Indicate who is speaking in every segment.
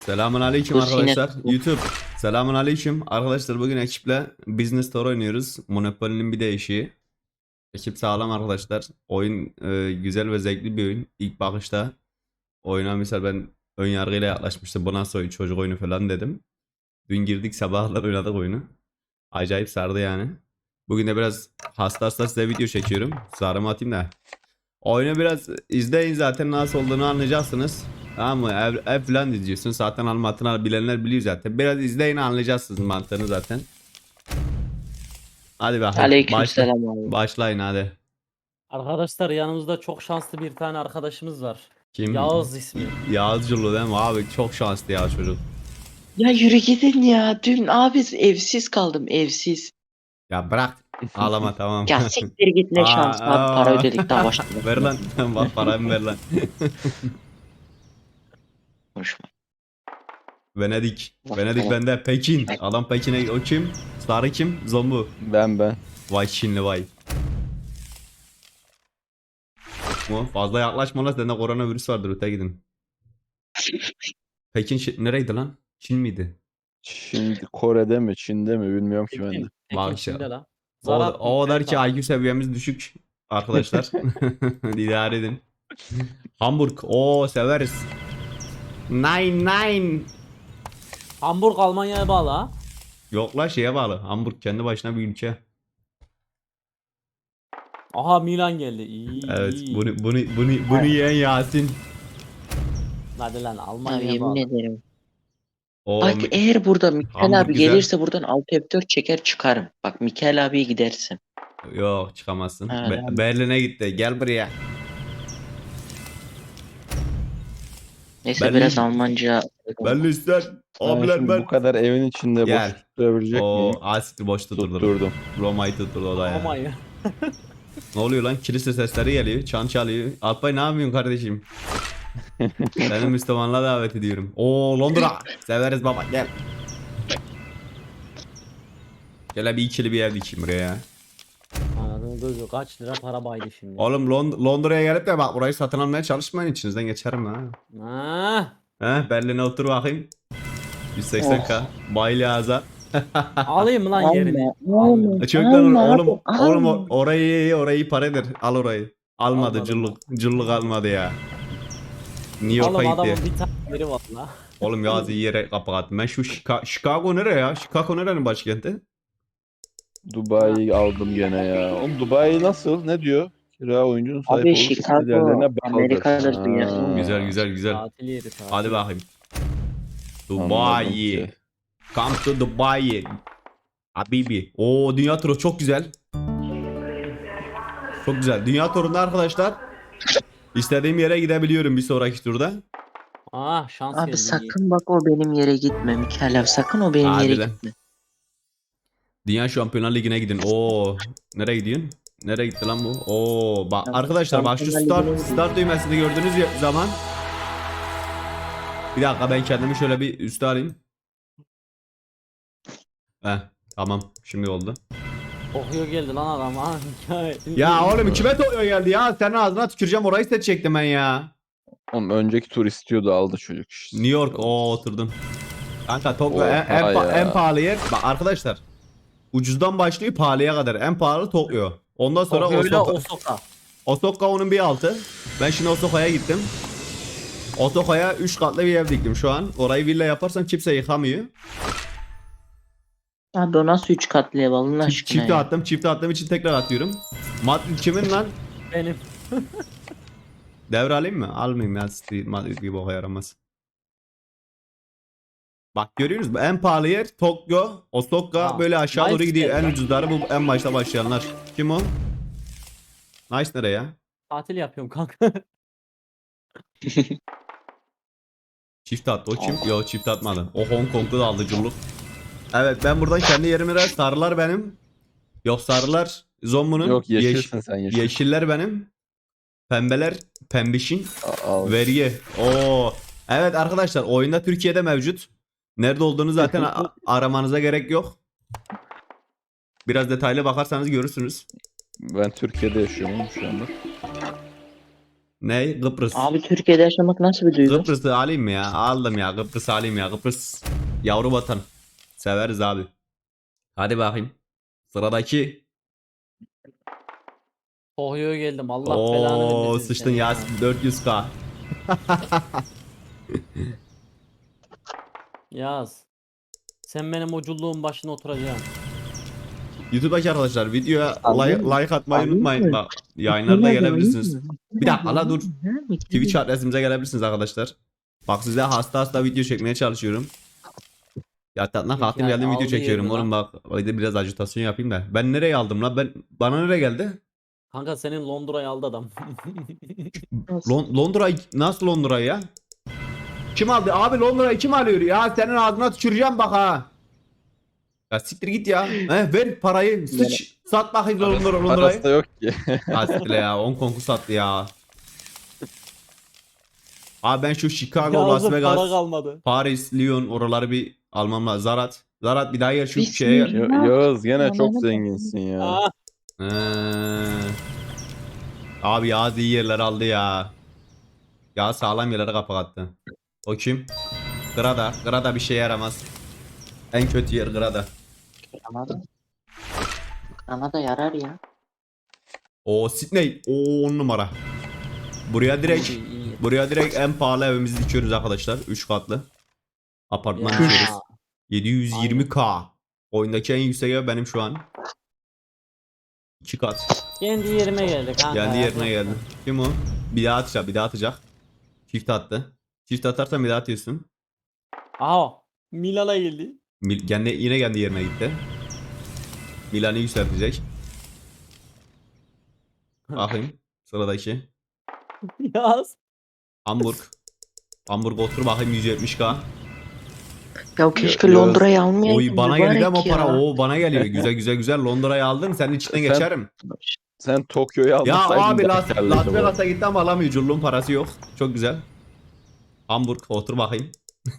Speaker 1: Selamun aleyküm
Speaker 2: Dur yine
Speaker 1: arkadaşlar. YouTube. Selamun aleyküm. Arkadaşlar bugün ekiple Business Tour oynuyoruz. Monopoly'nin bir değişiği. Ekip sağlam arkadaşlar. Oyun güzel ve zevkli bir oyun. İlk bakışta oyuna misal ben ön yargıyla yaklaşmıştım. Bu nasıl oyun, çocuk oyunu falan dedim. Dün girdik, sabahlar oynadık oyunu. Acayip sardı yani. Bugün de biraz hasta size video çekiyorum. Sarımı atayım da. Oyunu biraz izleyin, zaten nasıl olduğunu anlayacaksınız. Tamam mı? Ev falan izliyorsun. Zaten anlatını bilenler biliyor zaten. Biraz izleyin, anlayacaksınız mantığını zaten. Hadi bakayım.
Speaker 2: aleykümselam abi.
Speaker 1: Başlayın hadi.
Speaker 3: Arkadaşlar yanımızda çok şanslı bir tane arkadaşımız var.
Speaker 1: Kim?
Speaker 3: Yağız ismi.
Speaker 1: Yağızcılı değil mi? Abi çok şanslı ya çocuk.
Speaker 2: Ya yürü gidin ya. Dün abi evsiz kaldım evsiz.
Speaker 1: Ya bırak. Ağlama tamam.
Speaker 2: Ya siktir git ne şans abi para ödedik daha başladık.
Speaker 1: Ver lan. Bak paramı ver lan.
Speaker 2: Konuşma.
Speaker 1: Venedik.
Speaker 2: Bak,
Speaker 1: Venedik
Speaker 2: tamam.
Speaker 1: bende. Pekin. Adam Pekin'e, o kim? Sarı kim? Zombu.
Speaker 4: Ben.
Speaker 1: Vay Çinli vay. Mu? Fazla yaklaşma lan, sende koronavirüs vardır, öte gidin. Pekin nereydi lan? Çin miydi?
Speaker 4: Şimdi Kore'de mi Çin'de mi bilmiyorum ki ben de.
Speaker 3: Pekin
Speaker 1: Bak
Speaker 3: Çin'de
Speaker 1: ya.
Speaker 3: lan.
Speaker 1: O kadar ki IQ seviyemiz düşük arkadaşlar. İdare edin. Hamburg. Oo severiz. Nine.
Speaker 3: Hamburg Almanya'ya bağlı ha.
Speaker 1: Yok la, şeye bağlı. Hamburg kendi başına bir ülke.
Speaker 3: Aha Milan geldi. İyi
Speaker 1: Evet,
Speaker 3: iyi.
Speaker 1: bunu yiyen Yasin.
Speaker 3: Hadi lan
Speaker 2: Abi
Speaker 3: Almanya'ya
Speaker 2: yemin
Speaker 3: bağlı.
Speaker 2: ederim.
Speaker 1: O
Speaker 2: Bak eğer burada Mikael
Speaker 1: Hamburg
Speaker 2: abi
Speaker 1: güzel.
Speaker 2: gelirse buradan alt F4 çeker çıkarım. Bak Mikael abiye gidersin.
Speaker 1: Yok, çıkamazsın.
Speaker 2: Ha, tamam.
Speaker 1: Berlin'e gitti. Gel buraya.
Speaker 2: Neyse
Speaker 1: Berlin.
Speaker 2: biraz Almanca.
Speaker 1: Berlin ister.
Speaker 4: Ben
Speaker 1: Abiler
Speaker 4: şimdi
Speaker 1: ben.
Speaker 4: bu kadar evin içinde
Speaker 1: Gel.
Speaker 4: boş tutabilecek
Speaker 1: O
Speaker 4: miyim?
Speaker 1: asit boş tutturdum.
Speaker 4: Tutturdum.
Speaker 1: Roma'yı tutturdu o da ya.
Speaker 3: Almanya.
Speaker 1: Ne oluyor lan? Kilise sesleri geliyor. Çan çalıyor. Alpay ne yapıyorsun kardeşim? Seni Müslümanlığa davet ediyorum. Oo Londra. Severiz baba, gel. Gel bir ikili bir ev dikeyim buraya ya.
Speaker 3: Anadolu gözü kaç lira para baydı şimdi.
Speaker 1: Oğlum Londra'ya gelip de bak burayı satın almaya çalışmayın, içinizden geçerim ha.
Speaker 3: Ha.
Speaker 1: Berlin'e otur bakayım. 180k. Bayli ağza.
Speaker 3: Alayım mı lan yerini?
Speaker 2: Alma.
Speaker 1: Çocuklar oğlum,
Speaker 2: alma.
Speaker 1: orayı para eder. Al orayı. Almadı,
Speaker 3: Almadım.
Speaker 1: cıllık almadı ya. New York'a
Speaker 3: Oğlum adamın
Speaker 1: gitti.
Speaker 3: bir tane yeri var la.
Speaker 1: Oğlum yaz iyi yere kapattım. Ben şu Chicago nere ya? Chicago nerenin başkenti?
Speaker 4: Dubai'yi aldım gene ya. Oğlum Dubai nasıl? Ne diyor? Kira oyuncunun sahip
Speaker 2: Abi
Speaker 4: olduğu
Speaker 2: Chicago
Speaker 4: değerlerine bağlıdır.
Speaker 2: Amerika'dır
Speaker 4: Ha,
Speaker 2: dünyasının.
Speaker 1: Güzel.
Speaker 3: Tatil yeri tatil.
Speaker 1: Hadi bakayım.
Speaker 4: anladım
Speaker 1: Dubai.
Speaker 4: ki.
Speaker 1: Come to Dubai. Habibi. Oo, dünya turu çok güzel. Çok güzel. Dünya turunda arkadaşlar istediğim yere gidebiliyorum bir sonraki turda.
Speaker 3: Ah şans
Speaker 2: Abi
Speaker 3: geldi.
Speaker 2: sakın bak o benim yere gitme Mikael abi sakın o benim yere
Speaker 1: Harbiden.
Speaker 2: gitme.
Speaker 1: Dünya Şampiyonlar Ligi'ne gidin. Oo, nereye gidiyorsun? Nereye gitti lan bu? Oo, bak
Speaker 2: Ya,
Speaker 1: arkadaşlar, bak şu
Speaker 2: Şampiyonlar Ligi'ne
Speaker 1: start düğmesini gördüğünüz zaman, bir dakika ben kendimi şöyle bir üste alayım. Heh, tamam şimdi oldu.
Speaker 3: Kokuyor geldi lan adam ha.
Speaker 1: Ya oğlum kime toyuyor geldi ya? Senin ağzına tüküreceğim, orayı seçecektim ben ya.
Speaker 4: Oğlum önceki tur istiyordu aldı çocuk işte.
Speaker 1: New York, o oturdum. Kanka Tokyo
Speaker 4: Oha ya.
Speaker 1: en pahalı yer. Bak arkadaşlar, ucuzdan başlıyor pahalıya kadar. En pahalı Tokyo. Ondan sonra
Speaker 3: Kokuyorla
Speaker 1: Osaka.
Speaker 3: Osaka.
Speaker 1: Osaka onun bir altı. Ben şimdi Osaka'ya gittim. Osaka'ya 3 katlı bir ev diktim şu an. Orayı villa yaparsam kimse yıkamıyor.
Speaker 2: Abi o nasıl 3 katlı ev Allah aşkına
Speaker 1: Çifte
Speaker 2: ya.
Speaker 1: attım. Çifte attığım için tekrar atıyorum. Madrid kimin lan?
Speaker 3: Benim.
Speaker 1: Devralayım mı? Almayayım ya. Madrid bir boka yaramaz. Bak görüyorsunuz mu? En pahalı yer Tokyo, Osaka,
Speaker 3: Aa,
Speaker 1: böyle aşağı doğru
Speaker 3: nice
Speaker 1: gidiyor.
Speaker 3: yer
Speaker 1: En
Speaker 3: lan.
Speaker 1: ucuzları bu, en başta başlayanlar. Kim o? Nice nereye ya?
Speaker 3: Tatil yapıyorum kanka.
Speaker 1: Çift attı. O kim? Yok, çift atmadı. O Hong Kong'u da aldı culluk. Evet, ben buradan kendi yerime de, sarılar benim. Yok, sarılar Zombu'nun.
Speaker 4: Yok yeşilsin sen yeşil.
Speaker 1: Yeşiller benim. Pembeler pembişin.
Speaker 4: Al.
Speaker 1: Vergi. Oo. Evet arkadaşlar, oyunda Türkiye'de mevcut. Nerede olduğunu zaten aramanıza gerek yok. Biraz detaylı bakarsanız görürsünüz.
Speaker 4: Ben Türkiye'de yaşıyorum oğlum şu anda.
Speaker 1: Ne? Kıbrıs.
Speaker 2: Abi Türkiye'de yaşamak nasıl bir duygu?
Speaker 1: Kıbrıs'ı alayım mı ya? Aldım ya. Kıbrıs'ı alayım ya. Kıbrıs yavru vatan. Severiz abi. Hadi bakayım. Sıradaki.
Speaker 3: Ohio'ya geldim. Allah belanı
Speaker 1: Oo
Speaker 3: vermesin
Speaker 1: sıçtın
Speaker 3: seni ya.
Speaker 1: Yasin 400k.
Speaker 3: Yaz. Sen benim uculuğun başına oturacaksın.
Speaker 1: YouTube'daki arkadaşlar videoya
Speaker 2: Alayım mı?
Speaker 1: like atmayı
Speaker 2: Alayım
Speaker 1: unutmayın.
Speaker 2: mı?
Speaker 1: Bak yayınlarda gelebilirsiniz.
Speaker 2: Alayım mı?
Speaker 1: Bir dakika la dur.
Speaker 2: Alayım mı?
Speaker 1: Twitch adresimize gelebilirsiniz arkadaşlar. Bak size hasta video çekmeye çalışıyorum. Yatağına kalktım
Speaker 3: Yani
Speaker 1: geldim video
Speaker 3: aldı
Speaker 1: çekiyorum
Speaker 3: yerini
Speaker 1: oğlum
Speaker 3: lan.
Speaker 1: bak. Öyle biraz ajitasyon yapayım da. Ben nereye aldım lan? Bana nereye geldi?
Speaker 3: Kanka senin Londra'yı aldı adam.
Speaker 1: Londra nasıl Londra'yı ya? Kim aldı? Abi Londra'yı kim alıyor ya? Senin ağzına tüküreceğim bak ha. Ya siktir git ya. Ver parayı. Sıç. Sat bakayım
Speaker 4: Parası da
Speaker 1: Londra'yı.
Speaker 4: yok ki.
Speaker 1: Ha siktir ya. Hong Kong'u sattı ya. Abi ben şu Chicago, Las
Speaker 3: Yazın para
Speaker 1: Vegas,
Speaker 3: kalmadı.
Speaker 1: Paris, Lyon oraları bir almam lazım. Zarat bir daha gel şu
Speaker 2: Bismillah.
Speaker 1: şeye.
Speaker 4: Yağız gene çok
Speaker 2: Anladım.
Speaker 4: zenginsin ya.
Speaker 3: Ah,
Speaker 1: Ee, abi Yağız iyi yerler aldı ya. Yağız sağlam yerlere kapak attı. O kim? Grada. Grada bir şeye yaramaz. En kötü yer Grada.
Speaker 2: Anladım. Kanada yarar ya.
Speaker 1: O Sydney. O 10 numara. Buraya direkt
Speaker 3: iyi, iyi.
Speaker 1: buraya direkt en pahalı evimizi dikiyoruz arkadaşlar. 3 katlı. Apartman
Speaker 3: Ya.
Speaker 1: dikiyoruz. 720k. Oyundaki en yüksek ev benim şu an. 2 kat.
Speaker 3: Kendi yerime geldi kanka.
Speaker 1: Kendi
Speaker 3: ya.
Speaker 1: yerine geldi. Kim o? Bir daha atacak, bir daha atacak. Çift attı. Çift atarsan bir daha atıyorsun.
Speaker 3: Aha. Milan'a geldi.
Speaker 1: Yine kendi yerine gitti. Milan'ı yükseltecek. Bakayım. Sıradaki.
Speaker 3: Yaz.
Speaker 1: Hamburg. Hamburg otur bakayım 170k.
Speaker 2: Ya keşke
Speaker 4: Yağız.
Speaker 2: Londra'yı almayaydım.
Speaker 1: Oy bana geldi ama o
Speaker 2: mübarek
Speaker 1: para.
Speaker 2: ya.
Speaker 1: Oo bana geliyor. Güzel Londra'yı aldın. Senin içinden
Speaker 4: Sen-
Speaker 1: geçerim.
Speaker 4: Sen Tokyo'yu
Speaker 1: Ya
Speaker 4: almasaydın
Speaker 1: abi
Speaker 4: daha
Speaker 1: Las
Speaker 4: karlıydı bu.
Speaker 1: Vegas'a gitti ama alamıyor. Culluğun parası yok. Çok güzel. Hamburg otur bakayım.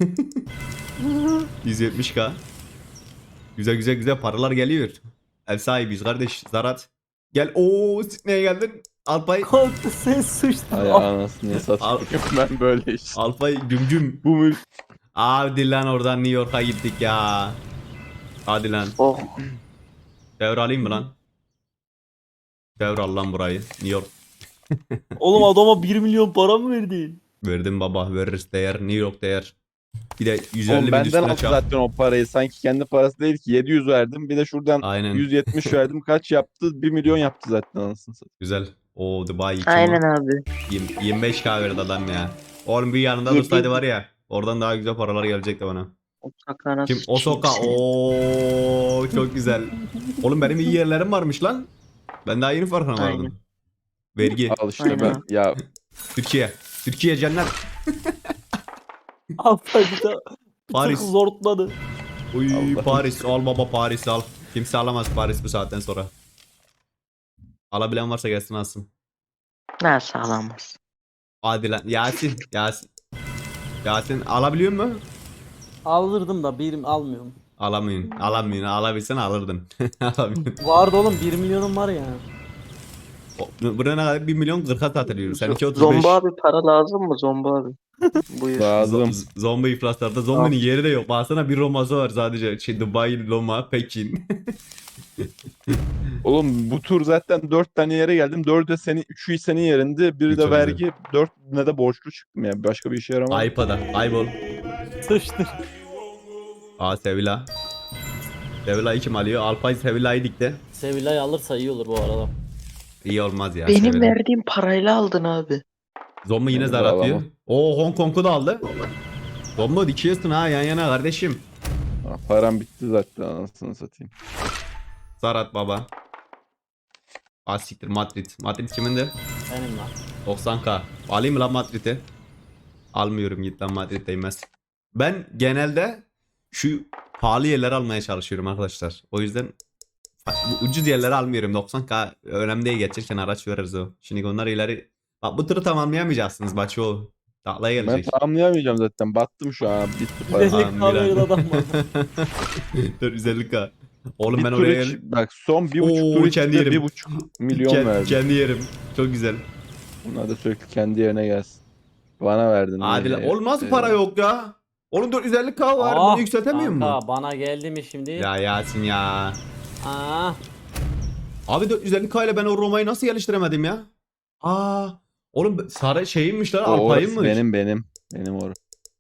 Speaker 1: 170k. Güzel paralar geliyor. Ev sahibiyiz kardeş. Zarat. Gel. Oo Sydney'e geldin. Alpay.
Speaker 3: Kalktı sen sıçtın.
Speaker 4: Ay anasını satayım ben böyle işte.
Speaker 1: Alpay gümgüm.
Speaker 4: Bu mül
Speaker 1: Hadi lan oradan New York'a gittik ya. Hadi lan.
Speaker 2: Oh.
Speaker 1: Devralayım mı lan? Devral lan burayı. New York.
Speaker 3: Oğlum adama 1 milyon para mı verdin?
Speaker 1: Verdim baba. Veririz değer. New York değer. Bir de 150
Speaker 4: Oğlum
Speaker 1: bin
Speaker 4: benden
Speaker 1: üstüne
Speaker 4: aldı
Speaker 1: çak.
Speaker 4: zaten o parayı. Sanki kendi parası değil ki. 700 verdim. Bir de şuradan
Speaker 1: Aynen.
Speaker 4: 170 verdim. Kaç yaptı? 1 milyon yaptı zaten anasını satayım.
Speaker 1: Güzel. O Dubai kim o?
Speaker 2: Aynen abi.
Speaker 1: 25k verdi adam ya. Oğlum bir yanında
Speaker 2: Yedi-
Speaker 1: dursaydı var ya. Oradan daha güzel paralar gelecekti bana.
Speaker 2: Uçaklara
Speaker 1: Kim?
Speaker 2: sıçayım
Speaker 1: Osoka.
Speaker 2: seni.
Speaker 1: Oo çok güzel. Oğlum benim iyi yerlerim varmış lan. Ben daha yeni farkına
Speaker 2: Aynen.
Speaker 1: vardım. Vergi.
Speaker 4: Al işte
Speaker 2: Aynen.
Speaker 4: ben. Ya
Speaker 1: Türkiye cennet.
Speaker 3: Altta bir tık
Speaker 1: Paris.
Speaker 3: zortladı.
Speaker 1: Uy
Speaker 4: Allah.
Speaker 1: Paris al baba Paris al. Kimse alamaz Paris bu saatten sonra. Alabilen varsa gelsin alsın.
Speaker 2: Nasıl alamaz?
Speaker 1: Hadi lan Yasin. Yasin alabiliyor mu?
Speaker 3: Alırdım da birim almıyorum.
Speaker 1: Alamıyorsun. Alabilsen alırdın. Alamıyorsun.
Speaker 3: Vardı oğlum 1 milyonum var ya.
Speaker 1: Buraya ne kadar 1 milyon 40'a satılıyor. Seninki 35.
Speaker 2: Zombi abi para lazım mı Zombi abi? Buyur.
Speaker 4: lazım.
Speaker 1: Zombi iflaslarda zombinin yeri de yok. Baksana bir Roma'sı var sadece. Dubai, Roma, Pekin.
Speaker 4: Oğlum bu tur zaten 4 tane yere geldim. 4'ü senin 3'ü senin yerinde. Biri de
Speaker 1: Çok
Speaker 4: vergi. 4'üne de borçlu çıktım yani. Başka bir işe yaramaz.
Speaker 1: Aypa'da. Aybol.
Speaker 3: Sıçtı.
Speaker 1: Aa Sevilla. Sevilla'yı kim alıyor? Alpay Sevilla'yı dikti.
Speaker 3: Sevilla'yı alırsa iyi olur bu arada.
Speaker 1: İyi olmaz ya.
Speaker 2: Benim
Speaker 1: Sevilla.
Speaker 2: verdiğim parayla aldın abi.
Speaker 1: Zombi yine
Speaker 4: Ben de
Speaker 1: zar atıyor.
Speaker 4: alamam.
Speaker 1: Oo Hong Kong'u da aldı. Zombi dikiyorsun ha yan yana kardeşim.
Speaker 4: Ha, param bitti zaten anasını satayım.
Speaker 1: Zar at baba. Siktir Madrid. Madrid kimindi?
Speaker 3: Benim lan.
Speaker 1: 90k. Alayım mı lan Madrid'i? Almıyorum git lan Madrid değmez. Ben genelde şu pahalı yerleri almaya çalışıyorum arkadaşlar. O yüzden bu ucuz yerleri almıyorum. 90k önemli değil geçerken araç veririz o. Şimdi onlar ileri... Bak bu turu tamamlayamayacaksınız bak o. Taklaya
Speaker 4: Ben
Speaker 1: gelecek.
Speaker 4: tamamlayamayacağım zaten. Battım şu an. Bitti para.
Speaker 3: Güzellik
Speaker 1: Milan.
Speaker 3: kahveli adam var.
Speaker 1: 450k. Oğlum
Speaker 4: Bir
Speaker 1: ben
Speaker 4: tur
Speaker 1: oraya
Speaker 4: bak son 1,5
Speaker 1: Oo,
Speaker 4: tur
Speaker 1: kendi
Speaker 4: içinde
Speaker 1: yerim.
Speaker 4: 1,5 milyon verdim.
Speaker 1: Kendi yerim. Çok güzel.
Speaker 4: Bunlar da sürekli kendi yerine gelsin. Bana verdin.
Speaker 1: Hadi lan.
Speaker 4: Ee,
Speaker 1: Oğlum nasıl para yok ya? Oğlum 450k var. Bunu
Speaker 3: Ah,
Speaker 1: yükseltemiyor mu?
Speaker 3: kanka bana geldi mi şimdi?
Speaker 1: Ya Yasin ya.
Speaker 3: Aa,
Speaker 1: Abi 450k ile ben o Roma'yı nasıl geliştiremedim ya? Aa. Oğlum sarı şeyinmiş lan,
Speaker 4: O orası
Speaker 1: Alpay'ınmış.
Speaker 4: benim. Benim orası.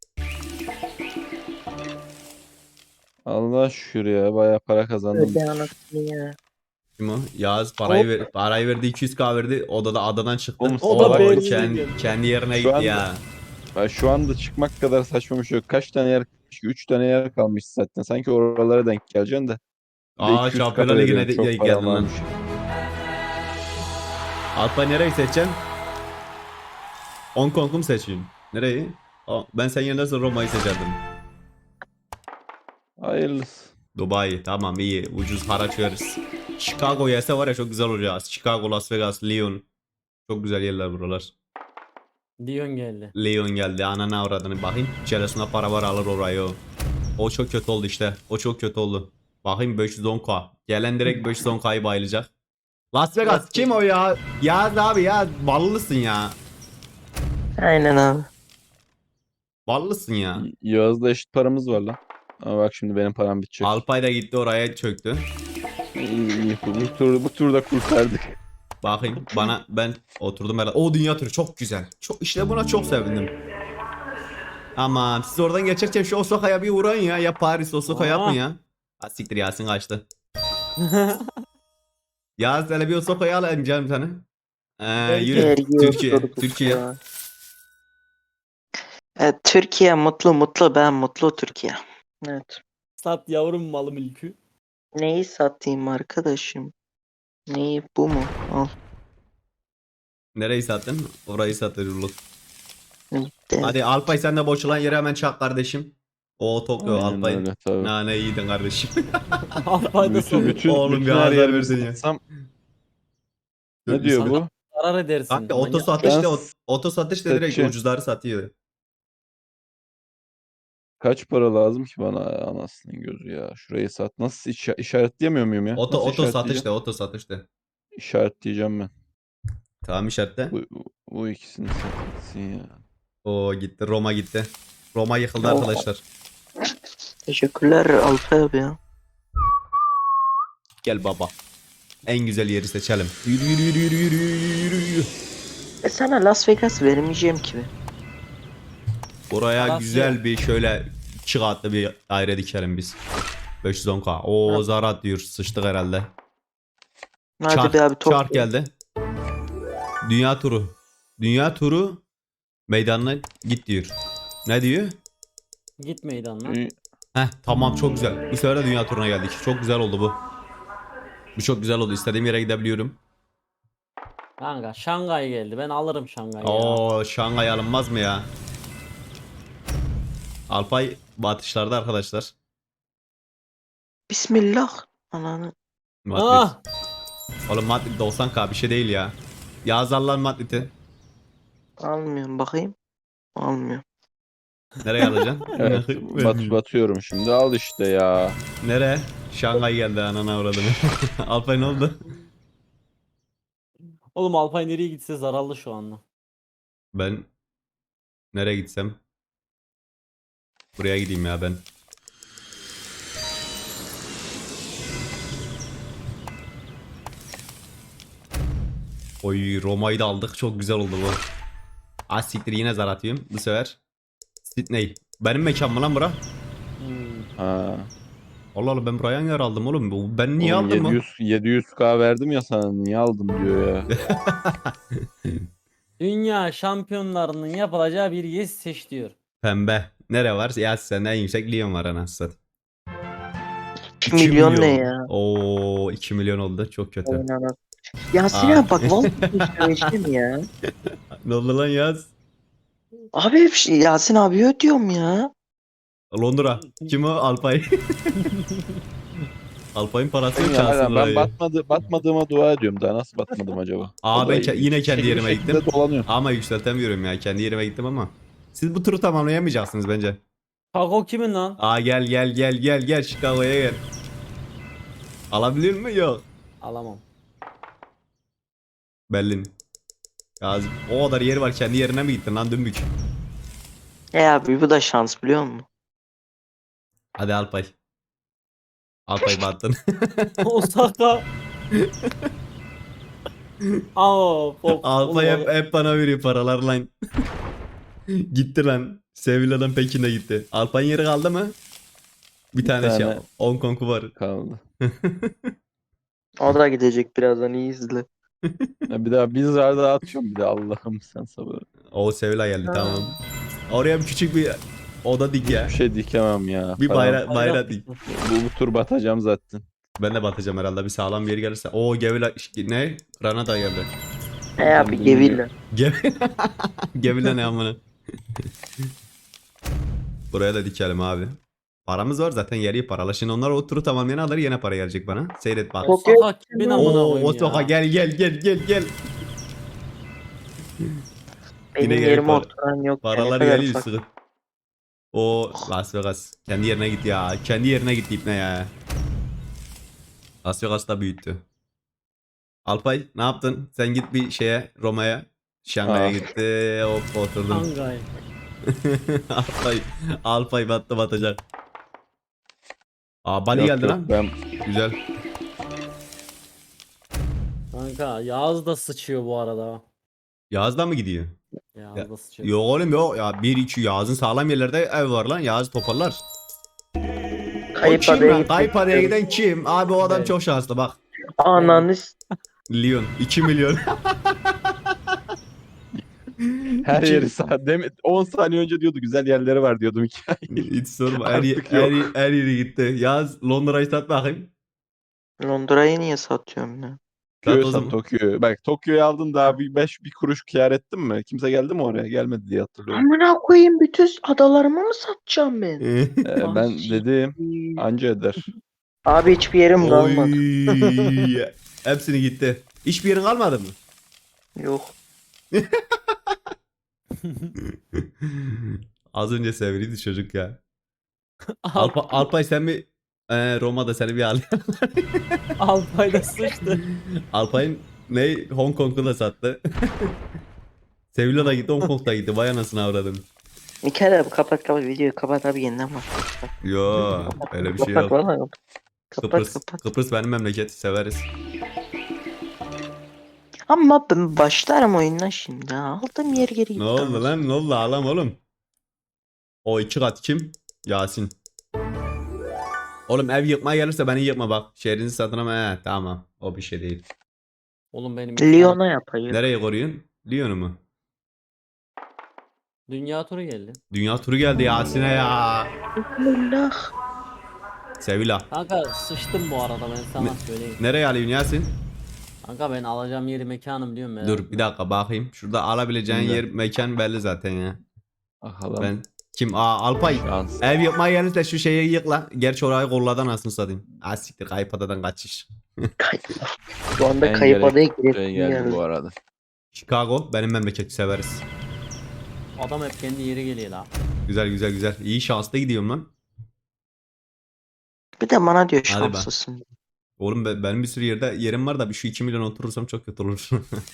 Speaker 4: Allah şükür ya. Bayağı para kazandım.
Speaker 2: Öde anasını ya.
Speaker 1: Kim o? Yağız parayı verdi, 200k verdi. Odada adadan çıktı.
Speaker 4: Oğlum,
Speaker 3: O da
Speaker 4: salak
Speaker 3: Berlin'e
Speaker 4: mısın?
Speaker 3: geldi.
Speaker 1: Kendi yerine
Speaker 4: Şu
Speaker 1: gitti
Speaker 4: anda-
Speaker 1: ya.
Speaker 4: Ya şu anda çıkmak kadar saçma bir şey yok. Kaç tane yer kalmış ki? 3 tane yer kalmış zaten. Sanki oralara denk geleceksin de. Bir de
Speaker 1: Aa
Speaker 4: 200K
Speaker 1: Şampiyonlar Ligi'ne
Speaker 4: veriyorsun.
Speaker 1: de
Speaker 4: Çok param
Speaker 1: geldin lan.
Speaker 4: varmış.
Speaker 1: Alpay nereyi seçeceksin? Hong Kong'u mu seçeyim? Nereyi? Ben sen yerine Roma'yı seçerdim.
Speaker 4: Hayırlısı.
Speaker 1: Dubai tamam iyi, ucuz haraç veririz. Chicago gelse var ya çok güzel olacak. Chicago, Las Vegas, Lyon. Çok güzel yerler buralar.
Speaker 3: Dion geldi.
Speaker 1: Lyon geldi, anana avradını bakayım. İçerisinde para var, alır orayı o. O çok kötü oldu işte. O çok kötü oldu. Bakayım 510k. Gelen direkt 510k'yı bayılacak. Las Vegas kim o ya? Yaz abi ya, ballısın ya.
Speaker 2: Aynen abi.
Speaker 1: Ballısın ya.
Speaker 4: Yağız'da eşit paramız var lan. Ama bak şimdi benim param bitecek.
Speaker 1: Alpay da gitti oraya çöktü.
Speaker 4: İyi. Bu turda kurtardık.
Speaker 1: Bakayım ben oturdum herhalde. O dünya turu çok güzel. Çok, işte buna çok sevindim. Aman siz oradan geçerken şu Osaka'ya bir uğrayın ya. Ya Paris Osaka
Speaker 3: Aa.
Speaker 1: yapın ya. Ha siktir, Yasin kaçtı. Yaz hele bir Osaka'ya alayım canım seni. Yürü.
Speaker 2: Vergi
Speaker 1: Türkiye.
Speaker 2: oturduk
Speaker 1: Türkiye.
Speaker 2: ya. Evet, Türkiye mutlu ben mutlu Türkiye. Evet.
Speaker 3: Sat yavrum malı mülkü.
Speaker 2: Neyi satayım arkadaşım? Neyi bu mu? Al.
Speaker 1: Nereyi sattın? Orayı satırlık.
Speaker 2: Gitti.
Speaker 1: Hadi Alpay sen de boşalan yere hemen çak kardeşim. O Tokyo
Speaker 4: Aynen
Speaker 1: Alpay.
Speaker 4: öyle, tabii.
Speaker 1: Nane iyiydin kardeşim.
Speaker 3: Alpay'da
Speaker 1: Oğlum
Speaker 4: bütün
Speaker 1: bir
Speaker 4: her
Speaker 1: azar
Speaker 4: yerimi
Speaker 1: versin ya.
Speaker 4: satsam ne diyor bu?
Speaker 3: zarar edersin.
Speaker 1: Kanka oto
Speaker 3: Manyak.
Speaker 1: satışta
Speaker 4: Ben
Speaker 1: oto satışta direkt
Speaker 4: seçeceğim.
Speaker 1: ucuzları satıyor.
Speaker 4: Kaç para lazım ki bana ya, anasının gözü ya. Şurayı sat. Nasıl işaretleyemiyor muyum ya? Nasıl
Speaker 1: Oto
Speaker 4: işaretleyeceğim?
Speaker 1: satışta oto satışta.
Speaker 4: İşaretleyeceğim ben.
Speaker 1: Tamam işaretle.
Speaker 4: Bu ikisini satılsın ya.
Speaker 1: O gitti, Roma gitti. Roma yıkıldı
Speaker 2: Oh.
Speaker 1: arkadaşlar.
Speaker 2: Teşekkürler Alfa abi ya.
Speaker 1: Gel baba. En güzel yeri seçelim. Yürü yürü yürü yürü yürü yürü yürü.
Speaker 2: Sana Las Vegas vermeyeceğim ki.
Speaker 1: Buraya
Speaker 3: Parası
Speaker 1: güzel
Speaker 3: yok.
Speaker 1: bir şöyle 2 katlı bir daire dikelim biz. 510k. O
Speaker 2: Ha.
Speaker 1: zarat diyor. Sıçtık herhalde.
Speaker 2: Hadi
Speaker 1: Çark,
Speaker 2: be abi
Speaker 1: çark geldi. Dünya turu. Dünya turu meydanına git diyor. Ne diyor?
Speaker 3: Git meydanına.
Speaker 1: Heh tamam, çok güzel. Bu sefer de dünya turuna geldik. Çok güzel oldu bu. Bu çok güzel oldu. İstediğim yere gidebiliyorum.
Speaker 3: Kanka Şangay geldi. Ben alırım Şangay'ı ya.
Speaker 1: Oo Şangay alınmaz mı ya? Alpay batışlarda arkadaşlar.
Speaker 2: Bismillah. Ananı.
Speaker 1: Madrid.
Speaker 3: Ah!
Speaker 1: Oğlum Madrid 90k bir şey değil ya. Yazarlar Madrid'i.
Speaker 2: Almıyorum bakayım. Almıyorum.
Speaker 1: Nereye alacaksın?
Speaker 4: Evet, batıyorum şimdi. Al işte ya.
Speaker 1: Nereye? Şangay geldi, anana uğradım. Alpay ne oldu?
Speaker 3: Oğlum Alpay nereye gitse zararlı şu anda.
Speaker 1: Ben nereye gitsem? Buraya gideyim ya ben. Oy Roma'yı da aldık. Çok güzel oldu bu. Az siktir, yine zar atıyorum bu sefer. Sydney. Benim mekan mı lan bura?
Speaker 3: Hmm.
Speaker 4: Ha.
Speaker 1: Allah Allah, ben buraya yer aldım oğlum. Ben niye
Speaker 4: Oğlum,
Speaker 1: aldım mı?
Speaker 4: 700K verdim ya sana. Niye aldım diyor ya.
Speaker 3: Dünya şampiyonlarının yapılacağı bir yes seç diyor.
Speaker 1: Pembe. Nere var? Ya sen en yüksek Lyon var anasını satayım.
Speaker 2: 2 milyon ne ya?
Speaker 1: Oo 2 milyon oldu. Çok kötü.
Speaker 2: Aynen. Yasin
Speaker 1: Aa.
Speaker 2: abi bak vallahi söyleyeceğim ya.
Speaker 1: Ne oldu lan Yaz?
Speaker 2: Abi hep Yasin abi ödüyorum ya.
Speaker 1: Londra. Kim o? Alpay. Alpay'ın parası yok
Speaker 4: Ya,
Speaker 1: şansın
Speaker 4: ben batmadığıma dua ediyorum. Daha nasıl batmadım acaba?
Speaker 1: Aa
Speaker 4: O
Speaker 1: ben
Speaker 4: da
Speaker 1: yine kendi
Speaker 4: şekil
Speaker 1: yerime
Speaker 4: şekilde
Speaker 1: gittim.
Speaker 4: dolanıyor.
Speaker 1: Ama yükseltemiyorum ya. Kendi yerime gittim ama. Siz bu turu tamamlayamayacaksınız bence.
Speaker 3: Kako kimin lan?
Speaker 1: Aa gel Chicago'ya gel. Alabilir mi? Yok.
Speaker 3: Alamam.
Speaker 1: Berlin. Gazi. O kadar yeri var, kendi yerine mi gittin lan dümbük?
Speaker 2: Abi bu da şans biliyor musun?
Speaker 1: Hadi Alpay. Alpay battın.
Speaker 3: Osaka. Of,
Speaker 1: Alpay
Speaker 3: oğlum,
Speaker 1: hep bana veriyor paralar lan. Gitti lan. Sevilla'dan Pekin'e gitti. Alpay'ın yeri kaldı mı? Bir tane şey.
Speaker 4: tane.
Speaker 1: Hong Kong'u var.
Speaker 4: Kaldı.
Speaker 2: O da gidecek birazdan, iyi izle.
Speaker 4: Ya bir daha biz arada atıyorum bir de Allah'ım sen sabır.
Speaker 1: O Sevilla geldi,
Speaker 2: Ha.
Speaker 1: tamam. Oraya bir küçük bir oda dik ya.
Speaker 4: Bir şey dikemem ya.
Speaker 1: Bir
Speaker 4: Param-
Speaker 1: bayrak dik.
Speaker 4: Bu tur batacağım zaten.
Speaker 1: Ben de batacağım herhalde, bir sağlam bir yer gelirse. O Gevilla ne? Granada geldi.
Speaker 2: Abi Gevilla.
Speaker 1: Gevilla ne amına. Buraya da dikelim abi. Paramız var zaten, yeri paralı. Şimdi onlar o turu tamamlayan alır, yine para gelecek bana. Seyret bak.
Speaker 3: Osaka kimin amına
Speaker 1: Oo,
Speaker 3: koyayım
Speaker 1: Osaka
Speaker 3: ya.
Speaker 1: gel.
Speaker 2: Benim
Speaker 1: Yine
Speaker 2: yerime
Speaker 1: para-
Speaker 2: oturan yok.
Speaker 1: Paralar
Speaker 2: Ne kadar
Speaker 1: geliyor
Speaker 2: fakir.
Speaker 1: sıkı. O Las Vegas. Kendi yerine gitti ya. Kendi yerine gitti ipne ya. Las Vegas da büyüttü. Alpay ne yaptın? Sen git bir şeye, Roma'ya. Şangay'a
Speaker 4: Aa.
Speaker 1: gitti. Hop oturdun.
Speaker 3: Şangay.
Speaker 1: Alpay batacak. Aa Bali
Speaker 4: Yok,
Speaker 1: geldi
Speaker 4: yok,
Speaker 1: lan.
Speaker 4: ben
Speaker 1: Güzel.
Speaker 3: Kanka Yağız da sıçıyor bu arada.
Speaker 1: Yağız'dan mı gidiyor?
Speaker 3: Yağız da sıçıyor.
Speaker 1: Yok oğlum yok. Ya 1-2 Yağız'ın sağlam yerlerde ev var lan. Yağız toparlar. O
Speaker 2: Kayıp
Speaker 1: kim
Speaker 2: adaya
Speaker 1: lan?
Speaker 2: gitmek
Speaker 1: Kayıp adaya
Speaker 2: istiyorum.
Speaker 1: giden kim? Abi o adam
Speaker 3: Evet.
Speaker 1: çok şanslı bak.
Speaker 2: Ananız.
Speaker 1: Lyon 2 milyon.
Speaker 4: her
Speaker 1: İki-
Speaker 4: yeri sağ. 10 saniye önce diyordu güzel yerleri var diyordum hikaye.
Speaker 1: Hiç sorma. Her,
Speaker 4: Artık yok.
Speaker 1: her yeri gitti. Yaz Londra'yı sat bakayım.
Speaker 2: Londra'yı niye satıyorum ya?
Speaker 1: Sat
Speaker 4: Tokyo'yu
Speaker 1: o
Speaker 4: sat
Speaker 1: zaman.
Speaker 4: Tokyo'yu. Bak Tokyo'yu aldın daha bir kuruş kâr ettin mi? Kimse geldi mi oraya? Gelmedi diye hatırlıyorum.
Speaker 2: Amına koyayım, bütün adalarımı mı satacağım ben?
Speaker 4: Ben
Speaker 2: Ah,
Speaker 4: dedim anca eder.
Speaker 2: Abi hiçbir yerim kalmadı.
Speaker 1: Oy. Hepsini gitti. Hiçbir yerin kalmadı mı?
Speaker 2: Yok.
Speaker 1: Az önce seviliydi çocuk ya. Alpay sen bir Roma'da seni bir al.
Speaker 3: Alpay da sıçtı.
Speaker 1: Alpay'ın ne Hong Kong'u da sattı. Sevilla da gitti, Hong Kong da gitti. Vay anasını avradım.
Speaker 2: İlker abi kapat videoyu kapat abi, yeniden bak.
Speaker 1: Yo öyle bir şey
Speaker 2: Kapat
Speaker 1: yok.
Speaker 2: valla kapat.
Speaker 1: Kıbrıs,
Speaker 2: Kapat.
Speaker 1: Kıbrıs benim memleket, severiz.
Speaker 2: Ama ben başlarım oyundan şimdi ha. Aldım yer geri gitti.
Speaker 1: Ne oldu
Speaker 2: anasını.
Speaker 1: lan? Ne oldu ağlam oğlum? O 2 kat kim? Yasin. Oğlum ev yıkmaya gelirse beni yıkma bak. Şehrinizi satın ama tamam. O bir şey değil.
Speaker 3: Oğlum benim
Speaker 2: Lyon'a yapayım.
Speaker 1: Nereye koruyorsun? Lyon'u mu?
Speaker 3: dünya turu geldi.
Speaker 1: Dünya turu geldi Yasin'e ya.
Speaker 2: Allah.
Speaker 1: Sevilla.
Speaker 3: Kanka sıçtım bu arada, ben sana söyleyeyim.
Speaker 1: Nereye alıyorsun Yasin?
Speaker 3: Kanka ben alacağım yeri mekanım diyorum ya.
Speaker 1: Dur bir dakika bakayım. Şurada alabileceğin
Speaker 4: Şimdi.
Speaker 1: yer mekan belli zaten ya.
Speaker 4: Bakalım.
Speaker 1: Ben kim? Alpay.
Speaker 4: Şans.
Speaker 1: Ev yapmaya gelirse şu şeyi yık lan. Gerçi orayı kolladan anasını satayım. Siktir, kayıp adadan kaçış.
Speaker 2: Şu anda
Speaker 4: En
Speaker 2: kayıp adaya
Speaker 4: Şey
Speaker 2: girelim
Speaker 4: geldi
Speaker 2: yani.
Speaker 4: bu arada.
Speaker 1: Chicago benim memleketi, severiz.
Speaker 3: Adam hep kendi yeri geliyor la.
Speaker 1: Güzel. İyi, şanslı gidiyorum lan.
Speaker 2: Bir de bana diyor
Speaker 1: Hadi be.
Speaker 2: şanslısın.
Speaker 1: Oğlum benim bir sürü yerim var da bir şu 2 milyon oturursam çok kötü olur.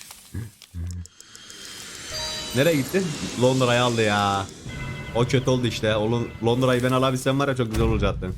Speaker 1: Nereye gitti? Londra'yı aldı ya. O kötü oldu işte. Londra'yı ben alabilsem var ya, çok güzel olacaktı.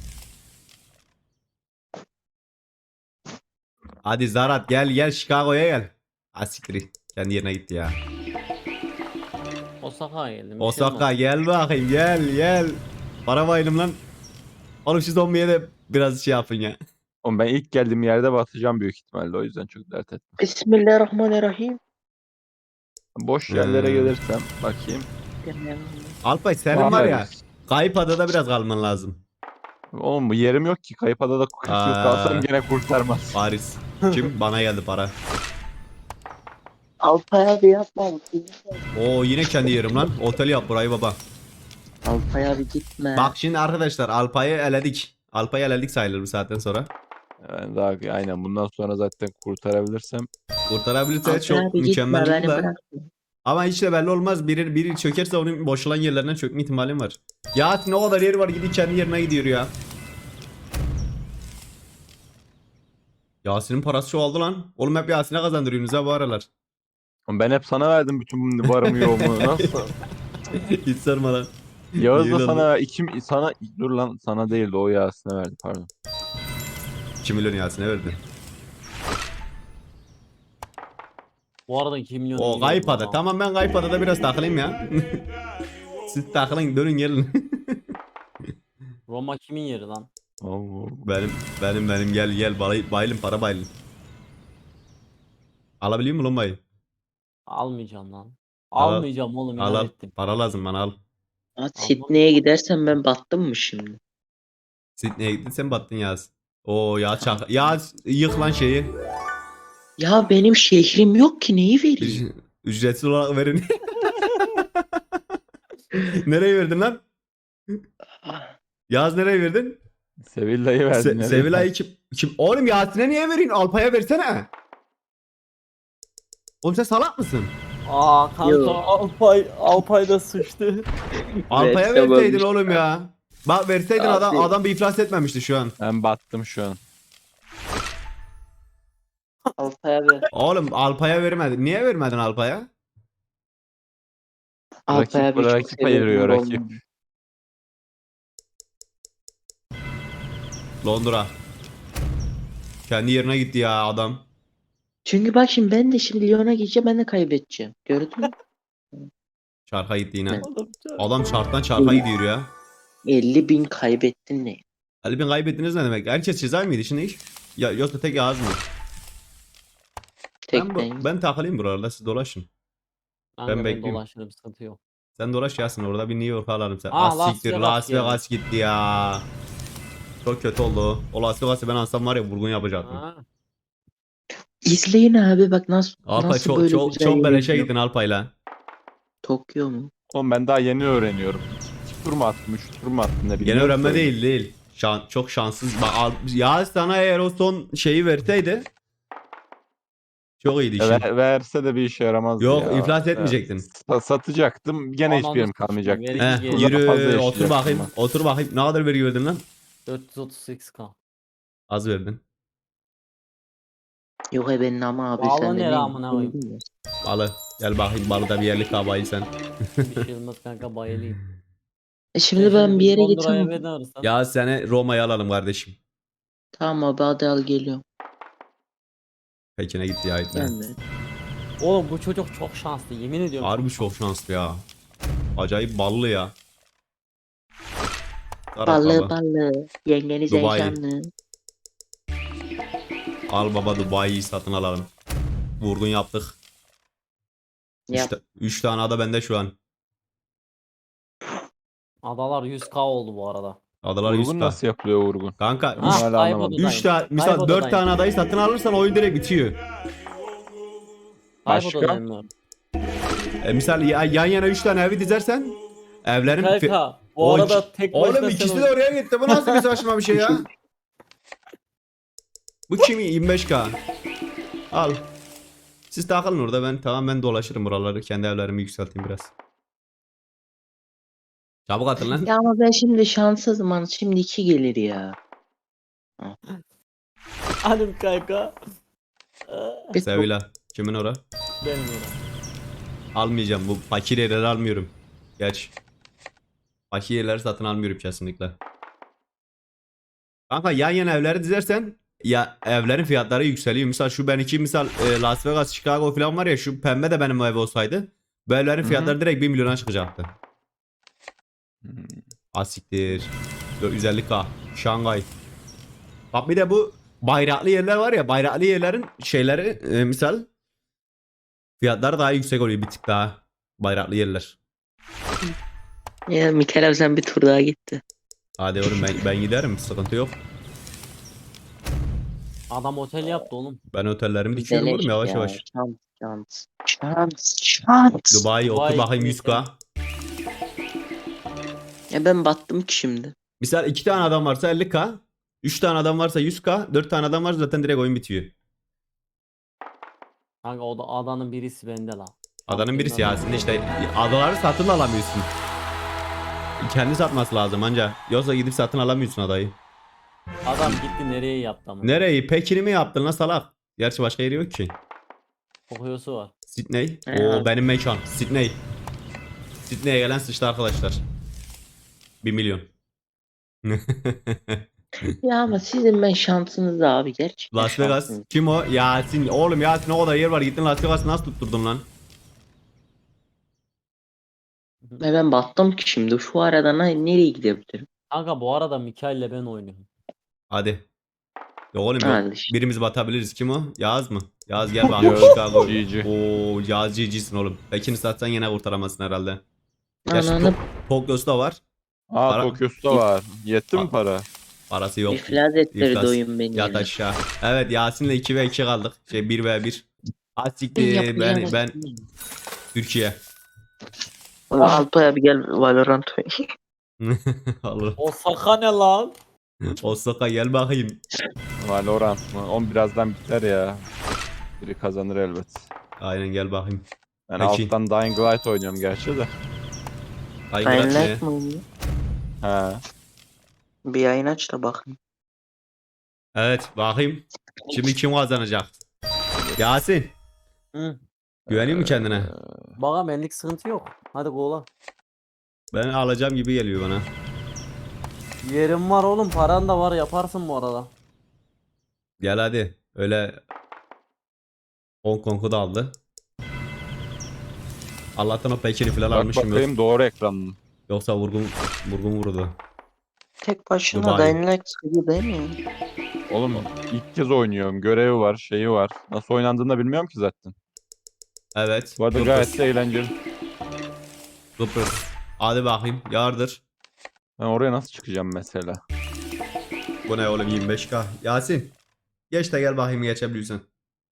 Speaker 1: Hadi Zarat gel Chicago'ya gel. Asiktir. Kendi yerine gitti ya.
Speaker 3: Osaka'ya geldim. bir şey
Speaker 1: Osaka
Speaker 3: olmaz.
Speaker 1: gel bakayım, gel. Para bayılım lan. Oğlum şu zombiye de biraz şey yapın ya.
Speaker 4: Oğlum ben ilk geldiğim yerde batacağım büyük ihtimalle o yüzden çok dert etme.
Speaker 2: Bismillahirrahmanirrahim.
Speaker 4: Boş yerlere
Speaker 1: Hmm.
Speaker 4: gelirsem bakayım.
Speaker 1: Alpay senin var ya,
Speaker 4: Bakarız.
Speaker 1: kayıp adada biraz kalman lazım.
Speaker 4: Oğlum bu yerim yok ki. Kayıp adada 40 yıl
Speaker 1: Aa.
Speaker 4: kalsam gene kurtarmaz.
Speaker 1: Paris. Kim? Bana geldi para.
Speaker 2: Alpay abi yapma.
Speaker 1: Oo yine kendi yerim lan. Otel yap burayı baba.
Speaker 2: Alpay abi gitme.
Speaker 1: Bak şimdi arkadaşlar, Alpay'ı eledik. Alpay'ı eledik sayılır bu saatten sonra.
Speaker 4: Yani daha aynen bundan sonra zaten kurtarabilirsem.
Speaker 1: Kurtarabilirse
Speaker 2: Alpay
Speaker 1: çok
Speaker 2: abi gitme,
Speaker 1: mükemmel
Speaker 2: beni
Speaker 1: olur da.
Speaker 2: bırak.
Speaker 1: Ama hiç de belli olmaz. Biri çökerse onun boşalan yerlerine çökme ihtimalim var. Yasin o kadar yeri var, gidip kendi yerine gidiyor ya. Yasin'in parası çoğaldı lan. Oğlum hep Yasin'e kazandırıyorsunuz ha bu aralar.
Speaker 4: Ben hep sana verdim bütün varımı yoğumu. Nasıl?
Speaker 1: Hiç sorma lan.
Speaker 4: Yağız
Speaker 1: Yemin
Speaker 4: da
Speaker 1: oldu.
Speaker 4: sana dur lan sana değildi o Yasin'e verdi pardon.
Speaker 1: 2 milyon Yasin'e verdi.
Speaker 3: Bu arada 2 milyon
Speaker 1: O
Speaker 3: iyi
Speaker 1: kayıp
Speaker 3: verdi
Speaker 1: ada.
Speaker 3: adam.
Speaker 1: Tamam ben kayıp adada biraz takılayım ya. Siz takılın dönün gelin.
Speaker 3: Roma kimin yeri lan?
Speaker 4: Allah.
Speaker 1: benim gel bayılın para bayılın. Alabiliyor musun Lomba'yı?
Speaker 3: Almayacağım lan.
Speaker 1: Al,
Speaker 3: Almayacağım oğlum
Speaker 1: al
Speaker 3: inat
Speaker 1: al.
Speaker 3: ettim.
Speaker 1: Para lazım bana al.
Speaker 2: Sydney'e gidersen ben battım mı şimdi?
Speaker 1: Sydney'e gittin sen battın Yaz. Oo ya çak. Yaz yık lan şeyi.
Speaker 2: Ya benim şehrim yok ki neyi vereyim?
Speaker 1: Ücretsiz olarak verin. Nereye verdin lan? Yaz nereye verdin?
Speaker 4: Sevilla'yı verdin. nereye?
Speaker 1: Sevilay'ı kim? Oğlum Yasin'e niye verin? Alpay'a versene. Oğlum sen salak mısın?
Speaker 3: Aa kanka
Speaker 2: Yo.
Speaker 3: Alpay da sıçtı.
Speaker 1: Alpay'a
Speaker 2: Versem
Speaker 1: verseydin
Speaker 2: olmuş.
Speaker 1: oğlum ya. Bak verseydin
Speaker 2: Abi.
Speaker 1: adam bir iflas etmemişti şu an.
Speaker 4: Ben battım şu an.
Speaker 2: Alpay abi.
Speaker 1: Oğlum Alpay'a vermedin. Niye vermedin Alpay'a?
Speaker 2: Alpay abi çok
Speaker 4: rakip ayırıyor
Speaker 2: severim
Speaker 4: rakip.
Speaker 2: Londra'yı.
Speaker 1: Londra. Kendi yerine gitti ya adam.
Speaker 2: Çünkü bak şimdi ben de şimdi Lyon'a gideceğim ben de kaybedeceğim. Gördün mü?
Speaker 1: Çarka gitti yine.
Speaker 2: Evet.
Speaker 1: Adam çarktan çarka gidiyor ya.
Speaker 2: 50.000 kaybettin ne?
Speaker 1: Ali ben kaybettiniz ne demek? Herkes çizer miydi şimdi iş? Ya yoksa tek Yağız mı?
Speaker 2: Tek ben.
Speaker 1: Ben takılayım buralarda siz dolaşın.
Speaker 3: Kanka ben
Speaker 1: bekliyorum.
Speaker 3: dolaşırım sıkıntı yok.
Speaker 1: Sen dolaş Yasin orada bir New York alalım sen.
Speaker 3: Ah,
Speaker 1: Ah
Speaker 3: Las
Speaker 1: siktir
Speaker 3: Vegas
Speaker 1: Las
Speaker 3: geldi.
Speaker 1: Vegas gitti ya. Çok kötü oldu. O Las Vegas'ı ben alsam var ya vurgun yapacaktım.
Speaker 3: Ha.
Speaker 2: İzleyin abi bak
Speaker 1: Alpay
Speaker 2: nasıl
Speaker 1: çok
Speaker 2: böyle
Speaker 1: çok
Speaker 2: güzel
Speaker 1: çok beleşe
Speaker 2: yürüyor.
Speaker 1: gittin Alpay'la.
Speaker 2: Tokyo mu?
Speaker 4: Oğlum ben daha yeni öğreniyorum. 2 tur mu attım 3 tur mu attım ne bileyim.
Speaker 1: Yeni öğrenme değil. Çok şanssız. Ya sana eğer o son şeyi verseydi çok iyiydi işin.
Speaker 4: Verse de bir işe yaramazdı
Speaker 1: Yok
Speaker 4: ya.
Speaker 1: iflas etmeyecektin.
Speaker 4: Satacaktım gene hiçbir yerim
Speaker 3: Ananı
Speaker 4: kalmayacaktı.
Speaker 3: sikeyim,
Speaker 1: Heh,
Speaker 3: Geri
Speaker 1: yürü
Speaker 4: fazla
Speaker 1: otur
Speaker 4: yaşayacaktım
Speaker 1: bakayım.
Speaker 4: ben.
Speaker 1: Otur bakayım. Ne kadar vergi verdin lan?
Speaker 3: 438k.
Speaker 1: Az verdin.
Speaker 2: Yok benim ama abi
Speaker 3: Vallahi
Speaker 2: sen de
Speaker 3: ne
Speaker 2: ne?
Speaker 3: rağmen abi.
Speaker 1: Balı. Gel bakayım balıda bir yerlik kabayı sen.
Speaker 3: Bir şey olmaz kanka bayılayım.
Speaker 2: Şimdi ben bir yere
Speaker 3: Londra'ya
Speaker 2: gitsem.
Speaker 3: veda alırsan.
Speaker 1: Ya seni Roma'ya alalım kardeşim.
Speaker 2: Tamam abi hadi al geliyorum.
Speaker 1: Pekin'e gitti ya itme.
Speaker 2: Gelme.
Speaker 3: Oğlum bu çocuk çok şanslı yemin ediyorum.
Speaker 1: Harbi çok şanslı ya. Acayip ballı ya. Arap
Speaker 2: Ballı
Speaker 1: baba.
Speaker 2: ballı. Yengeniz
Speaker 1: Dubai.
Speaker 2: heyecanlı.
Speaker 1: Al baba Dubai'yi satın alalım. Vurgun yaptık.
Speaker 2: Yap.
Speaker 1: 3 tane ada bende şu an.
Speaker 3: Adalar 100k oldu bu arada.
Speaker 1: Adalar
Speaker 4: Vurgun
Speaker 1: 100k.
Speaker 4: nasıl yapılıyor vurgun?
Speaker 1: Kanka
Speaker 4: Bunu hala anlamadım.
Speaker 1: 3 tane misal 4 tane adayı satın alırsan oyun direkt bitiyor.
Speaker 4: Başka?
Speaker 3: Kaybodadayım
Speaker 1: Misal yan yana 3 tane evi dizersen evlerin
Speaker 3: Kanka bu
Speaker 1: O
Speaker 3: arada
Speaker 1: iki-
Speaker 3: tek
Speaker 1: Oğlum
Speaker 3: başına
Speaker 1: ikisi
Speaker 3: sen
Speaker 1: de oraya gitti. Bu nasıl bir saçma bir şey ya? Bu kimi? 25k. Al. Siz takılın orada ben dolaşırım buraları. Kendi evlerimi yükselteyim biraz. Çabuk atın lan.
Speaker 2: Ya ama ben şimdi şanssızım hani şimdi 2 gelir ya.
Speaker 3: Hanım kanka.
Speaker 2: Bir
Speaker 1: Sevilla. Kimin ora?
Speaker 3: Benim öyle.
Speaker 1: Almayacağım. Bu fakir yerleri almıyorum. Geç. Fakir yerleri satın almıyorum kesinlikle. Kanka yan yana evleri dizersen ya evlerin fiyatları yükseliyor. Misal şu benimki misal Las Vegas, Chicago falan var ya şu pembe de benim ev olsaydı bu evlerin
Speaker 4: Hı hı.
Speaker 1: fiyatları direkt 1 milyona çıkacaktı.
Speaker 4: Hmm.
Speaker 1: Asiktir. 450k. Şangay. Bak bir de bu bayraklı yerler var ya bayraklı yerlerin şeyleri misal fiyatları daha yüksek oluyor bir tık daha bayraklı yerler.
Speaker 2: Ya Mikel abi sen bir tur daha gitti.
Speaker 1: Hadi oğlum ben giderim sıkıntı yok.
Speaker 3: Adam otel yaptı oğlum.
Speaker 1: Ben otellerimi dikiyorum oğlum
Speaker 2: Beleş
Speaker 1: yavaş
Speaker 2: ya,
Speaker 1: yavaş.
Speaker 2: Şans.
Speaker 1: Dubai otur
Speaker 3: Dubai
Speaker 1: bakayım
Speaker 3: gibi
Speaker 1: 100k.
Speaker 2: Ya ben battım ki şimdi.
Speaker 1: Misal 2 tane adam varsa 50k. 3 tane adam varsa 100k. 4 tane adam varsa zaten direkt oyun bitiyor.
Speaker 3: Kanka o da adanın birisi bende la.
Speaker 1: Adanın birisi
Speaker 3: Aklımda
Speaker 1: Yasin'de işte adaları satın da alamıyorsun. Kendi satması lazım anca. Yoksa gidip satın alamıyorsun adayı.
Speaker 3: Adam gitti nereye yaptı ama.
Speaker 1: Nereyi? Pekin'i mi yaptın lan salak? Gerçi başka yeri yok ki.
Speaker 3: Kokuyosu var.
Speaker 1: Sydney.
Speaker 2: Evet.
Speaker 1: Oo benim mekan. Sydney. Sydney'e gelen sıçtı arkadaşlar. 1 milyon.
Speaker 2: Ya ama sizin ben şansınız abi gerçekten
Speaker 1: Las Vegas.
Speaker 2: şansınız.
Speaker 1: Kim o? Yasin. Oğlum Yasin o kadar yer var. Gittin Las Vegas'ı nasıl tutturdun lan?
Speaker 2: Ve ben battım ki şimdi şu arada nereye gidebilirim?
Speaker 3: Kanka bu arada Mikail'le ben oynuyorum.
Speaker 1: Hadi. Yok oğlum yok.
Speaker 2: Hadi işte.
Speaker 1: Birimiz batabiliriz. Kim o? Yağız mı? Yağız gel bak.
Speaker 4: Yağız,
Speaker 1: Chicago.
Speaker 4: GG.
Speaker 1: Oo Yağız GG'sin oğlum. Pekin'i satsan yine kurtaramazsın herhalde. Gerçi
Speaker 2: Ananı
Speaker 1: Tokyo'su da var.
Speaker 4: Aa
Speaker 1: Para-
Speaker 4: Tokyo'su da var. Yetti mi para?
Speaker 1: Parası yok.
Speaker 2: iflas ettirdi
Speaker 1: İflas.
Speaker 2: oyun beni.
Speaker 1: Yat
Speaker 2: ya.
Speaker 1: aşağı. Evet Yasin'le 2v2 kaldık. 1v1. Asiktir
Speaker 2: Yapacağım
Speaker 1: ben
Speaker 2: şey.
Speaker 1: Türkiye.
Speaker 2: Alpay abi gel Valorant oynayalım.
Speaker 1: Allah.
Speaker 3: Osaka ne lan?
Speaker 1: Osaka gel bakayım.
Speaker 4: Valorant mı? On birazdan biter ya. Biri kazanır elbet.
Speaker 1: Aynen gel bakayım.
Speaker 4: Ben
Speaker 1: Peki.
Speaker 4: alttan Dying Light oynuyorum gerçi de.
Speaker 1: Ay
Speaker 2: Dying
Speaker 1: Murat ne?
Speaker 2: Light mı oynuyor?
Speaker 4: He.
Speaker 2: Bir yayın aç da bakın.
Speaker 1: Evet bakayım. Şimdi kim kazanacak? Yasin.
Speaker 3: Hı.
Speaker 1: Güveniyor musun kendine?
Speaker 3: Bana benlik sıkıntı yok. Hadi kola.
Speaker 1: Ben alacağım gibi geliyor bana.
Speaker 3: Yerim var oğlum, paran da var, yaparsın bu arada.
Speaker 1: Gel hadi. Öyle Hong Kong'u da aldı. Allah'tan o Pekin'i falan
Speaker 4: Bak
Speaker 1: almışım.
Speaker 4: bakayım doğru ekran mı?
Speaker 1: Yoksa vurgun vurdu.
Speaker 2: Tek başına
Speaker 1: Dubai.
Speaker 2: Dying Light sıkıcı değil mi?
Speaker 4: Oğlum ilk kez oynuyorum. Görevi var, şeyi var. Nasıl oynandığını da bilmiyorum ki zaten.
Speaker 1: Evet.
Speaker 4: Bu arada
Speaker 1: Kıbrıs.
Speaker 4: gayet de eğlenceli.
Speaker 1: Kıbrıs. Hadi bakayım. Yardır.
Speaker 4: Ben oraya nasıl çıkacağım mesela?
Speaker 1: Bu ne oğlum 25k. Yasin. Geç de gel bakayım geçebiliyorsan.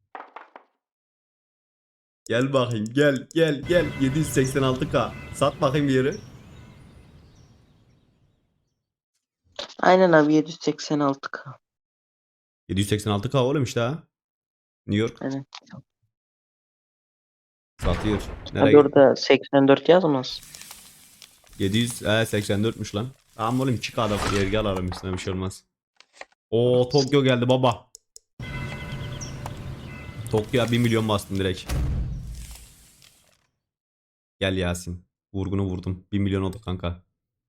Speaker 1: Gel bakayım gel 786k. Sat bakayım bir yeri.
Speaker 2: Aynen abi 786k.
Speaker 1: 786k oğlum işte ha. New York
Speaker 2: Evet.
Speaker 1: satıyor.
Speaker 2: Hadi
Speaker 1: Nereye?
Speaker 2: orada 84 yazmaz.
Speaker 1: 784'müş lan. Tamam oğlum 2k'da yergi alalım üstüne bir şey olmaz. Oo Tokyo geldi baba. Tokyo'ya 1 milyon bastım direkt. Gel Yasin. Vurgunu vurdum. 1 milyon oldu kanka.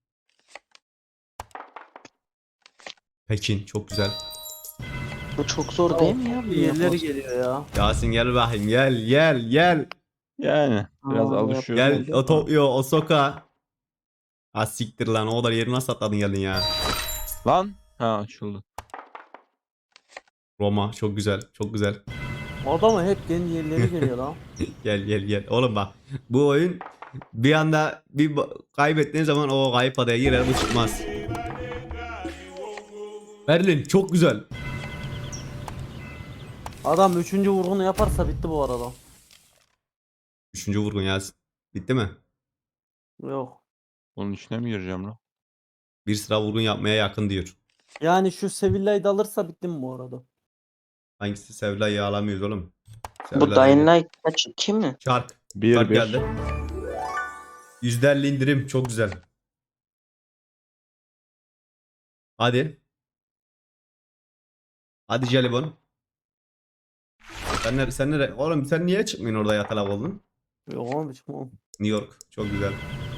Speaker 1: Pekin çok güzel.
Speaker 2: Bu çok zor değil mi ya?
Speaker 3: Yerleri geliyor ya.
Speaker 1: Yasin gel bakayım gel.
Speaker 4: Yani biraz
Speaker 2: Aa,
Speaker 4: alışıyoruz.
Speaker 1: Gel o Tokyo Osaka. Ha siktir lan o kadar yeri nasıl atladın geldin ya.
Speaker 4: Lan. Ha açıldı.
Speaker 1: Roma çok güzel çok güzel.
Speaker 3: Adamı hep kendi yerleri geliyor lan.
Speaker 1: Gel. Oğlum bak bu oyun bir anda kaybettiğin zaman o kayıp adaya girer bu çıkmaz. Berlin çok güzel.
Speaker 3: Adam 3. vurgunu yaparsa bitti bu arada.
Speaker 1: 3. vurgun Yasin. Bitti mi?
Speaker 3: Yok.
Speaker 4: Onun içine mi gireceğim lan?
Speaker 1: Bir sıra vurgun yapmaya yakın diyor.
Speaker 3: Yani şu Sevilla'yı da alırsa bittim bu arada.
Speaker 1: Hangisi Sevilla'yı alamıyoruz oğlum.
Speaker 2: Bu
Speaker 1: Sevilla
Speaker 2: Dying
Speaker 1: değil.
Speaker 2: Light kaç kim mi?
Speaker 1: Çark.
Speaker 4: Bir
Speaker 1: Çark
Speaker 4: bir.
Speaker 1: geldi. %50 indirim çok güzel. Hadi. Hadi Jelibon. Sen nere? Oğlum sen niye çıkmıyorsun orada yatalak oldun?
Speaker 3: Yok oğlum hiç mi?
Speaker 1: New York. Çok güzel.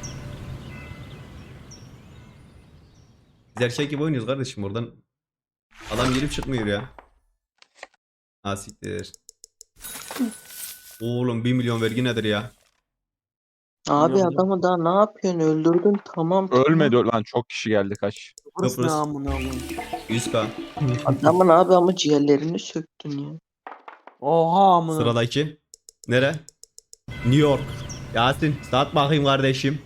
Speaker 1: Biz erkek gibi oynuyoruz kardeşim oradan. Adam gelip çıkmıyor ya. Ha siktir. Oğlum 1 milyon vergi nedir ya?
Speaker 2: Abi
Speaker 3: Biliyorum.
Speaker 2: adamı daha ne yapıyorsun? Öldürdün tamam.
Speaker 4: Ölmedi lan, çok kişi geldi kaç.
Speaker 3: Burası ne
Speaker 1: Kıbrıs.
Speaker 3: amına koyayım?
Speaker 1: 100k.
Speaker 2: Adamın abi ama ciğerlerini söktün ya.
Speaker 3: Oha amına.
Speaker 1: Sıradaki. Nere? New York. Yasin sat bakayım kardeşim.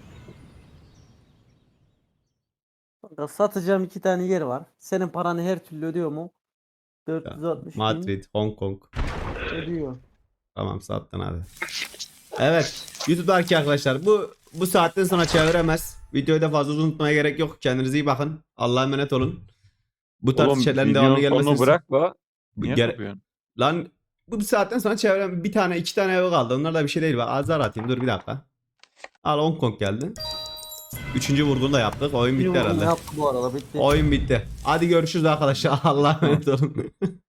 Speaker 3: Kanka, satacağım 2 tane yer var. Senin paranı her türlü ödüyor mu? 460 bin
Speaker 1: Madrid, Hong Kong.
Speaker 3: ödüyor.
Speaker 1: Tamam sattın hadi. Evet. YouTube'daki arkadaşlar bu saatten sonra çeviremez. Videoyu da fazla uzun tutmaya gerek yok. Kendinize iyi bakın. Allah'a emanet olun. Bu tarz
Speaker 4: Oğlum
Speaker 1: şeylerin devamlı
Speaker 4: videonun sonunu
Speaker 1: gelmesi.
Speaker 4: bırak la. Niye
Speaker 1: Gere-
Speaker 4: yapıyorsun?
Speaker 1: Lan bu saatten sonra çevirem bir tane 2 tane ev kaldı. Onlar da bir şey değil. Bak azar atayım. Dur bir dakika. Al Hong Kong geldi. 3. vurgunu da yaptık. Oyun bitti
Speaker 3: Bir vurgun
Speaker 1: herhalde.
Speaker 3: yaptı bu arada bitti.
Speaker 1: Oyun bitti. Hadi görüşürüz arkadaşlar. Allah'a emanet olun.